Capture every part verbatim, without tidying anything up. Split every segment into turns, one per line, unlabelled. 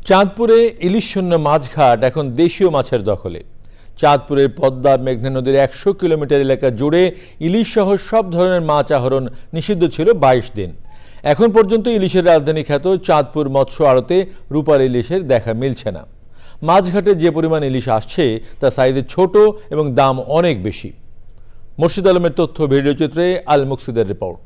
চাঁদপুরে ইলিশ শূন্য মাছঘাট এখন দেশীয় মাছের দখলে। চাঁদপুরের পদ্মা মেঘনা নদীর একশো কিলোমিটার এলাকা জুড়ে ইলিশ সহ সব ধরনের মাছ আহরণ নিষিদ্ধ ছিল বাইশ দিন। এখন পর্যন্ত ইলিশের রাজধানী খ্যাত চাঁদপুর মৎস্য আড়তে রূপার ইলিশের দেখা মিলছে না। মাছঘাটে যে পরিমাণ ইলিশ আসছে তা সাইজে ছোট এবং দাম অনেক বেশি। মুর্শিদ আলমের তথ্য, ভিডিওচিত্রে আল মুকসিদের রিপোর্ট।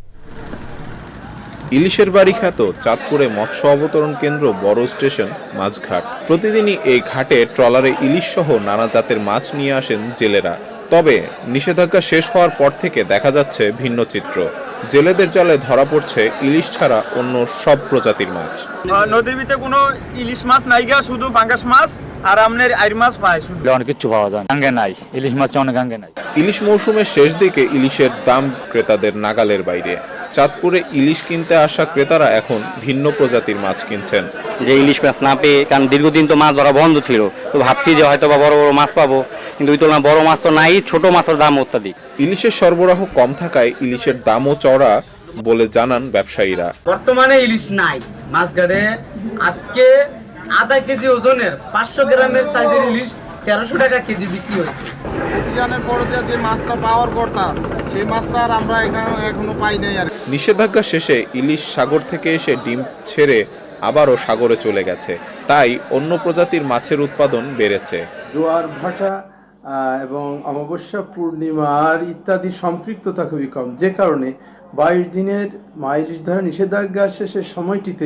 ইলিশের বাড়ি খ্যাত চাঁদপুরে মৎস্য অবতরণ কেন্দ্র বড় স্টেশন মাছঘাট। প্রতিদিনই এই ঘাটে ট্রলারে ইলিশ সহ নানা জাতের মাছ নিয়ে আসেন জেলেরা। তবে নিষেধাজ্ঞা শেষ হওয়ার পর থেকে দেখা যাচ্ছে ভিন্ন চিত্র। জেলেদের জালে ধরা পড়ছে ইলিশ ছাড়া অন্য সব প্রজাতির মাছ।
নদীর ভিতরে কোনো ইলিশ মাছ নাই গা, শুধু ফাঙ্গাস মাছ আর আমনের আইর মাছ পায়। শুধু
অনেক কিছু পাওয়া যায়, গাঙ্গে নাই ইলিশ মাছ, অনেক গাঙ্গে নাই।
ইলিশ মৌসুমের শেষ দিকে ইলিশের দাম ক্রেতাদের নাগালের বাইরে। চাঁদপুরে ইলিশ কিনতে আসা ক্রেতারা এখন ভিন্ন প্রজাতির মাছ কিনছেন।
যে ইলিশ মাছ না পেয়ে, কারণ দীর্ঘদিন তো মাছ ধরা বন্ধ ছিল, তো ভাবছি যে হয়তো বা বড় বড় মাছ পাবো, কিন্তু ওই তুলনায় বড় মাছ তো নাই, ছোট মাছের দাম অত্যাধিক।
ইলিশের সরবরাহ কম থাকায় ইলিশের দামও চড়া বলে জানান ব্যবসায়ীরা।
বর্তমানে ইলিশ নাই মাছঘাটে। আজকে আধা কেজি ওজনের পাঁচশো গ্রামের সাইজের ইলিশ তেরোশো টাকা কেজি বিক্রি হয়েছে।
যে মাছটা পাওয়ার কথা, সেই মাছটা আর আমরা এখানে এখনো পাই নাই। আর
নিষেধাজ্ঞা শেষে ইলিশ সাগর থেকে এসে ডিম ছেড়ে আবারও সাগরে চলে গেছে, তাই অন্য প্রজাতির মাছের উৎপাদন বেড়েছে।
জোয়ার ভাটা এবং অমাবস্যা পূর্ণিমার ইত্যাদি সম্পৃক্ততা খুবই কম, যে কারণে বাইশ দিনের ইলিশ ধরা নিষেধাজ্ঞা শেষের সময়টিতে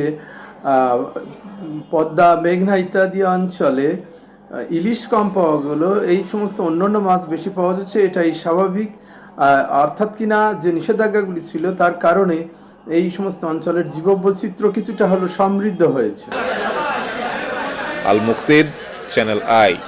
পদ্মা মেঘনা ইত্যাদি অঞ্চলে ইলিশ কম পাওয়া গেলো, এই সমস্ত অন্যান্য মাছ বেশি পাওয়া যাচ্ছে। এটাই স্বাভাবিক, অর্থাৎ কিনা যে নিষেধাজ্ঞাগুলি ছিল তার কারণে এই সমস্ত অঞ্চলের জীববৈচিত্র্য কিছুটা হলো সমৃদ্ধ হয়েছে।
Al Muksid, Channel I.